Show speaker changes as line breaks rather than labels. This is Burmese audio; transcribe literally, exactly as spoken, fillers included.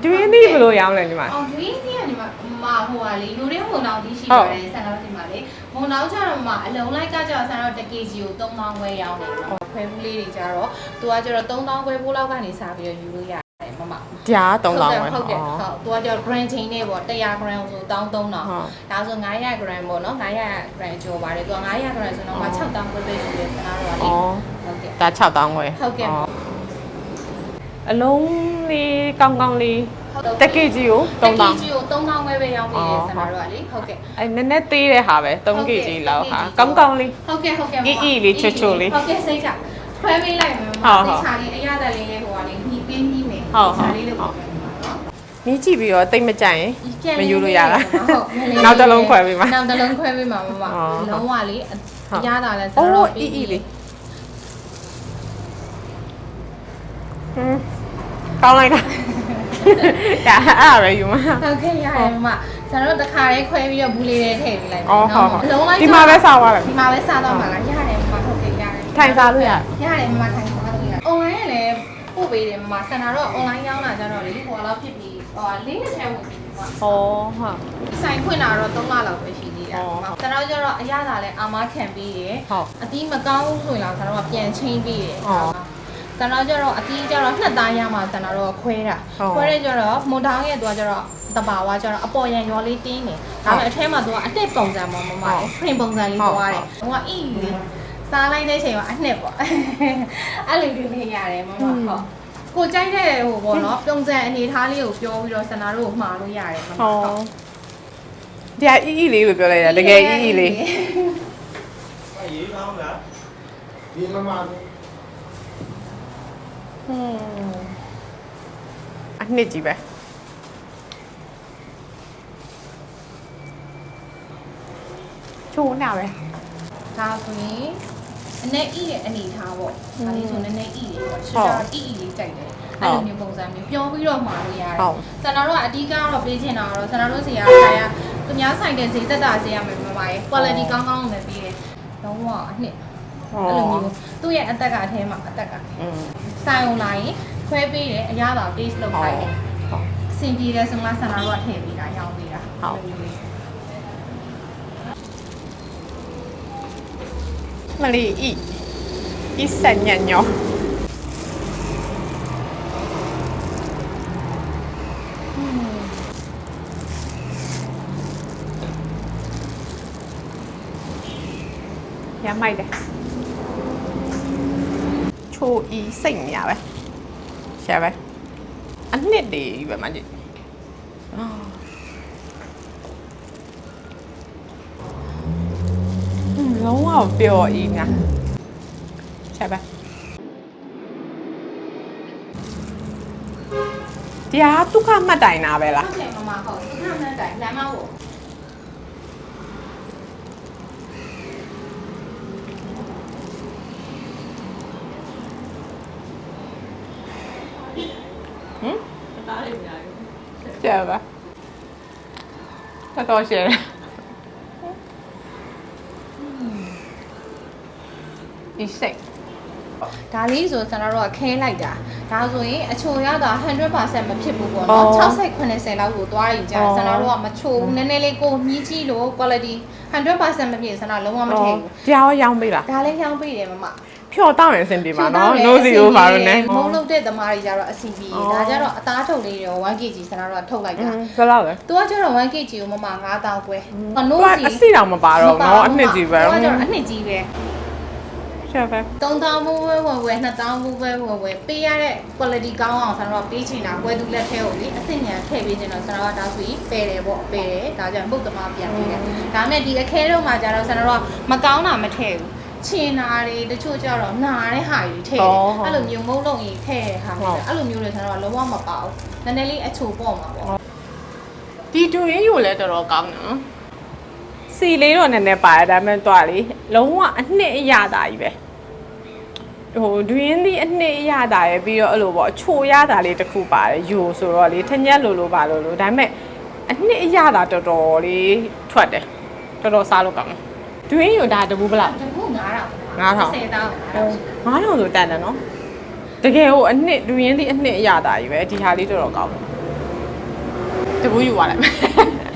ဒွင်းသီးဘယ်လိုရောင်းလဲဒီမှာ
အော်ဒွင်းသီးကဒီမှာမဟိုဟာလေလူရင်းဝန်အောင်သီးရှိပါတယ်ဆန်တော့ဒီမှာလေဝန်အောင်ကျတော့မှအလုံးလိုက်ကကျတော့ဆန်တော့တစ် kg ကိုသုံးသောင်းခွဲရောင်းနေတယ်ခွဲဘူးလေးတွေကျတော့သူကကျတော့သုံးသောင်းခွဲပိုးလောက်ကနေစားပြီးတော့ယူလို့ရတယ်မမ
ကြားသုံးသောင်းခွဲ
ဟုတ်တယ်ဟုတ်သူကကျတော့ gram chain နဲ့ပေါ့တစ်ရာ gram ဆိုတောင်းသုံးတောင်းဒါဆိုငါးရာ gram ပေါ့နော်ငါးရာ gram ကျော်ပါတယ်သူကငါးရာ gram ဆိုတော့မှခြောက်သောင်းခွဲပဲရှိတယ်ဆန်တော့လေဟုတ်ကဲ့
ဒါခြောက်သောင်းခွဲ
ဟုတ်ကဲ့
အလုံးလေးကောင်းကောင်းလေးတစ် kg ကို
သုံးသောင်း kg ကိုသုံးသောင်းခွဲပဲရောင်းပေးတယ်ဆန်တော့လေဟုတ်ကဲ့
အဲနည်းနည်းသေးတဲ့ဟာပဲသုံး kg လောက်ဟာကောင်းကောင်းလေး
ဟုတ်ကဲ့ဟုတ်ကဲ့
အီအီလေးချွတ်ချွတ်လေး
ဟုတ်ကဲ့စိတ်ချခွဲပေးလိုက်မယ်ဟုတ်ဟုတ်ခြာလေးအရသာလေးလေးဟိုကလေးညီပေးညီမယ်
ဟုတ်ဟုတ်
လေးလေးပေါ့
မြည်ကြည့်ပြီးတော့တိတ်မကြိုက်ရင်မယူလို့ရတာ
ဟုတ်
နောက်တစ်လုံးခွဲပေးမှာ
နောက်တစ်လုံးခွဲပေးမှာမမလုံးဝလေးအရသာလဲဆိုတော့
အီအီလေးဟမ်ကောင်းလိုက်တာဒါအဲ့ပဲယူမှာ
ဟုတ်ကဲ့ရတယ်မမဆရာတို့တစ်ခါလေးခွဲပြီးတော့ဘူးလေးလေးထည့်ပေးလိုက်
ပါနော်
အလုံးလိုက်
ဒီမှာပဲစားသွားတယ်
ဒီမှာပဲစားတော့မှာလားရတယ်မမဟုတ်ကဲ့ရတယ်
ထိုင်စားလို့ရ
ရတယ်မမထိုင်စားလို့ရ online ကလည်းပို့ပေးတယ်မမဆန္ဒတော့ online ရောင်းတာကြတော့လေဟိုလောက်ဖြစ်ပြီးဟိုလေးနဲ့ထဲဝင်ပြီးပါ
ဟောဟုတ်
ဆိုင်ဖွင့်တာတော့သုံးလလောက်ပဲရှိသေးတယ်ဆန္ဒကြတော့အရသာလဲအာမခံပြီးရအတီးမကောင်းဘူးဆိုရင်တော့ဆန္ဒကပြန်ချင်းပြီးရဆန္ဒကြတော့အတီးကြတော့နှစ်သားရမှာဆန္ဒတော့ခွဲတာခွဲရကြတော့မွန်တောင်းရဲ့သူကကြတော့တဘာဝကြတော့အပေါ်ရန်ရောလေးတင်းနေဒါပေမဲ့အထဲမှာသူကအတက်ပုံစံပေါ့မမလေး print ပုံစံလေးသွားတယ်ဟိုကအီးလေးစားလိုက်တဲ့အချိန်မှာအနှစ်ပေါ့အဲ့လိုတွေလေးရတယ်မမဟုတ်ကိုကြိုက်တဲ့ဟိုပေါ့နော်ပုံစံအနေထားလေးကိုပြောပြီးတော့ဆန္ဒတို့ကိုမှားလို့ရတယ်မမဟုတ်
ဒီအီအီလေးလို့ပြောလိုက်တာတကယ်အီအီလေး
အေးကောင်းလားဒီမမဟွန်း
အနှစ်ကြီးပဲချိုးနာပဲ
ဒါဆိုရင်အနေအီရဲ့အနေထားပေါ့ဒါလေးဆိုနည်းနည်းအီလေးပေါ့ရှင်းတာအီအီလေးကြိုက်တယ်အဲ့လိုမျိုးပုံစံမျိုးပြောပြီးတော့မှာလို့ရတယ်ဆန္ဒတို့ကအဓိကတော့ပေးချင်တာကတော့ဆန္ဒတို့စီကဆိုင်ရသူများဆိုင်တဲ့ဈေးသက်သာဈေးရမယ်မပါရဲ့ quality ကောင်းကောင်းနဲ့ပြီးတယ်လုံးဝအနှစ်အဲ့လိုမျိုးသူ့ရဲ့အသက်ကအထဲမှာအသက်ကဆိုင်အောင်လာရင်ခွဲပေးတယ်အရသာ taste လုပ်လိုက်တယ်အဆင်ပြေတယ်ဆိုမှဆန္ဒတို့ကထည့်ပေးတာရောင်းပေးတာဟုတ်
မလီအီအီစညညောရမိုက်တယ်ချိုအီစိတ်နေရပဲရှာပဲအနှစ်တည်းပဲမကြည့်လုံးဝပျော်အီးညာရှာပဲဒီဟာဒုက္ခမှတ်တိုင်တာပဲလား
ဟုတ်တယ်မမဟုတ်ဒုက္ခမှတ်တိုင်လမ်းမဟုတ်
ဟမ်တားလေးများကျဲပါတော်ရှယ်ဒီစိတ်
ဒါလေးဆိုကျွန်တော်တို့ကခဲလိုက်တာဒါဆိုရင်အချိုရတာ one hundred percent မဖြစ်ဘူးပေါ့နော်sixty seventyလောက်ကိုသွားရင်ကြာကျွန်တော်တို့ကမချိုဘူးနည်းနည်းလေးကိုမြည်ကြည့်လို့ quality one hundred percent မဖြစ်စမ်းလုံးဝမထည့်ဘူး
ကြားရောင်းပေးလား
ဒါလည်းရောင်းပေးတယ်မမ
ဖြော်တောင်းရင်အဆင်ပြေပါနော် no zero ပါလို့ ਨੇ
မုံလုံးတဲ့သမားတွေကြတော့အဆင်ပြေဒါကြတော့အသားထုတ်လေးတွေone kg စမ်းတော့ထုတ်လိုက်တာ
ဘယ်လောက်လဲ
तू ကကျတော့one kg ကိုမမnine thousandကျွဲ
no စီအစီတောင်မပါတော့နော်အနှစ်ကြီးပဲ
तू ကကျတော့အနှစ်ကြီးပဲ
ရှာပဲ
three thousandဘူးပဲဝင်ဝင်two thousandဘူးပဲဝင်ဝင်ပေးရတဲ့ quality ကောင်းအောင်ဆန္ဒတော့ပေးချင်တာကွဲသူလက်ထဲကိုလေအစ်စ်ညာထည့်ပေးချင်တော့ဆန္ဒတော့ဒါဆိုရင်ပယ်တယ်ပေါ့ပယ်တယ်ဒါကြောင့်ပုတ်သမားပြန်ပေးတယ်ဒါမဲ့ဒီအခဲတော့မှကျတော့ဆန္ဒတော့မကောင်းတာမထည့်ဘူးချင်နာတွေတချို့ကျတော့နာတဲ့ဟာကြီးထည့်တယ်အဲ့လိုမျိုးမုန်းလုံးကြီးထည့်တဲ့ဟာမျိုးအဲ့လိုမျိုးတွေဆန္ဒတော့လုံးဝမပါဘူးနည်းနည်းလေးအချိုပေါ့မှာပေါ့
ဒီတူရင်းယူလဲတော်တော်ကောင်းနော်စီလေးတော့နည်းနည်းပါတယ်ဒါပေမဲ့တော့လေလုံးဝအနှစ်အရသာကြီးပဲဟိုဒွင်းသီးအနှစ်အရသာရယ်ပြီးတော့အဲ့လိုပေါ့အချိုရတာလေးတစ်ခုပါတယ်ယူဆိုတော့လေထညက်လိုလိုပါလို့လို့ဒါပေမဲ့အနှစ်အရသာတော်တော်လေးထွက်တယ်တော်တော်စားလို့ကောင်းတယ်ဒွင်းယူဒါတပူးဗလား
တပူးnine thousand
nine thousand
ten thousand
nine thousandဆိုတန်တယ်နော်တကယ်ဟိုအနှစ်ဒွင်းသီးအနှစ်အရသာကြီးပဲဒီဟာလေးတော်တော်ကောင်းတယ်တပူးယူသွားလိုက်မယ်